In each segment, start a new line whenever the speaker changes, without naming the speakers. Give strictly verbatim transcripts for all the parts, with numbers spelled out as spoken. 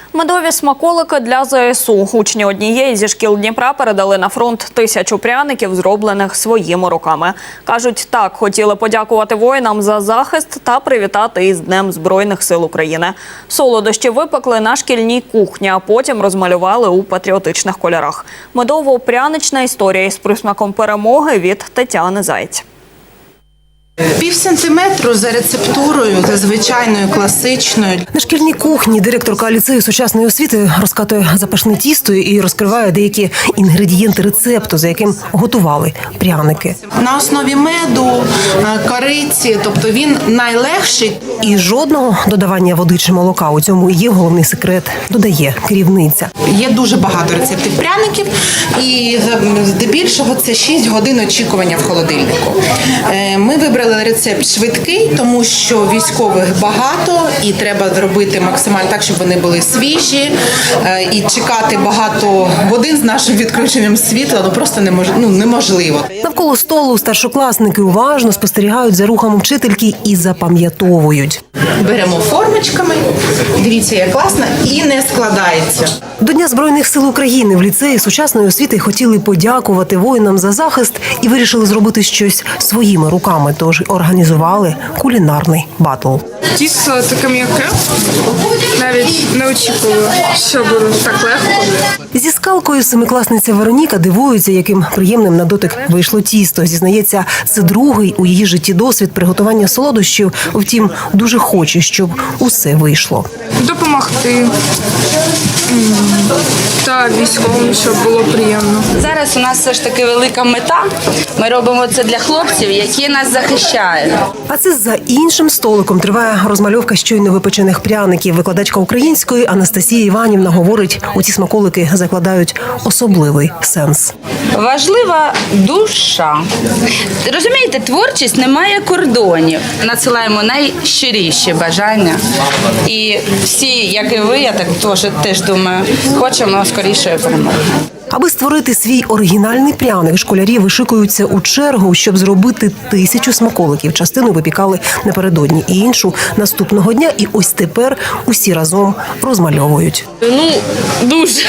Медові смаколики для ЗСУ. Учні однієї зі шкіл Дніпра передали на фронт тисячу пряників, зроблених своїми руками. Кажуть, так хотіли подякувати воїнам за захист та привітати із Днем Збройних сил України. Солодощі випекли на шкільній кухні, а потім розмалювали у патріотичних кольорах. Медово-прянична історія із присмаком перемоги від Тетяни Заєць.
Пів сантиметру за рецептурою, за звичайною, класичною.
На шкільній кухні директорка ліцею сучасної освіти розкатує запашне тісто і розкриває деякі інгредієнти рецепту, за яким готували пряники.
На основі меду, кориці, тобто він найлегший.
І жодного додавання води чи молока. У цьому і є головний секрет, додає керівниця.
Є дуже багато рецептів пряників, і здебільшого це шість годин очікування в холодильнику. Ми вибрали рецепт швидкий, тому що військових багато і треба зробити максимально так, щоб вони були свіжі. І чекати багато годин з нашим відключенням світла ну, просто немож... ну, неможливо.
Навколо столу старшокласники уважно спостерігають за рухами вчительки і запам'ятовують.
Беремо формочками, дивіться, як класно, і не складається.
До Дня Збройних сил України в ліцеї сучасної освіти хотіли подякувати воїнам за захист і вирішили зробити щось своїми руками, тож організували кулінарний батл.
Тісто таке м'яке, навіть не очікувала, що буде так легко.
Зі скалкою семикласниця Вероніка дивується, яким приємним на дотик вийшло тісто. Зізнається, це другий у її житті досвід приготування солодощів, втім, дуже хоче, щоб усе вийшло.
Допомогти та військовим, щоб було приємно.
Зараз у нас все ж таки велика мета. Ми робимо це для хлопців, які нас захищають.
А це за іншим столиком триває розмальовка щойно випечених пряників. Викладачка української Анастасія Іванівна говорить, у ці смаколики закладають особливий сенс.
Важлива душа. Розумієте, творчість не має кордонів. Надсилаємо найщиріші бажання. І всі, як і ви, я так теж, теж думаю, хочемо скорішої перемоги.
Аби створити свій оригінальний пряник, школярі вишикуються у чергу, щоб зробити тисячу смаколиків. Частину випікали напередодні, і іншу наступного дня. І ось тепер усі разом розмальовують.
Ну, дуже.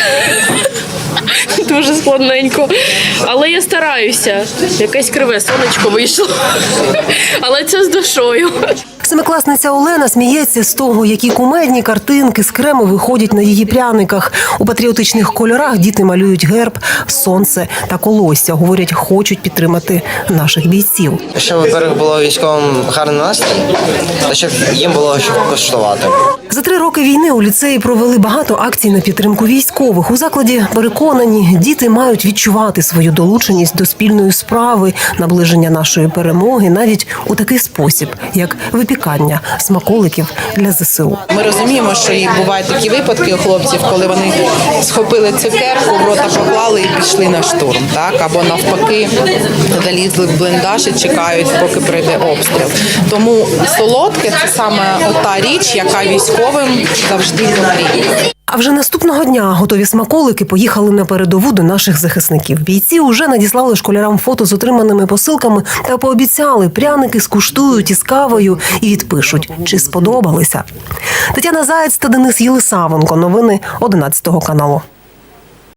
Дуже складненько. Але я стараюся. Якесь криве сонечко вийшло. Але це з душою.
Семикласниця Олена сміється з того, які кумедні картинки з крему виходять на її пряниках. У патріотичних кольорах діти малюють герб, сонце та колосся. Говорять, хочуть підтримати наших бійців.
Щоб, во-первых, було військовим гарний настрій, та щоб їм було що коштувати.
За три роки війни у ліцеї провели багато акцій на підтримку військових. У закладі переконані, діти мають відчувати свою долученість до спільної справи, наближення нашої перемоги навіть у такий спосіб, як випікання смаколиків для ЗСУ.
Ми розуміємо, що і бувають такі випадки у хлопців, коли вони схопили цукерку, в рота поклали і пішли на штурм, так? Або навпаки залізли в бліндаж і чекають, поки прийде обстріл. Тому солодке – це саме та річ, яка військовим завжди потрібна.
А вже наступного дня готові смаколики поїхали на передову до наших захисників. Бійці уже надіслали школярам фото з отриманими посилками та пообіцяли, пряники скуштують із кавою і відпишуть, чи сподобалися. Тетяна Заєць та Денис Єлисавенко. Новини одинадцятого каналу.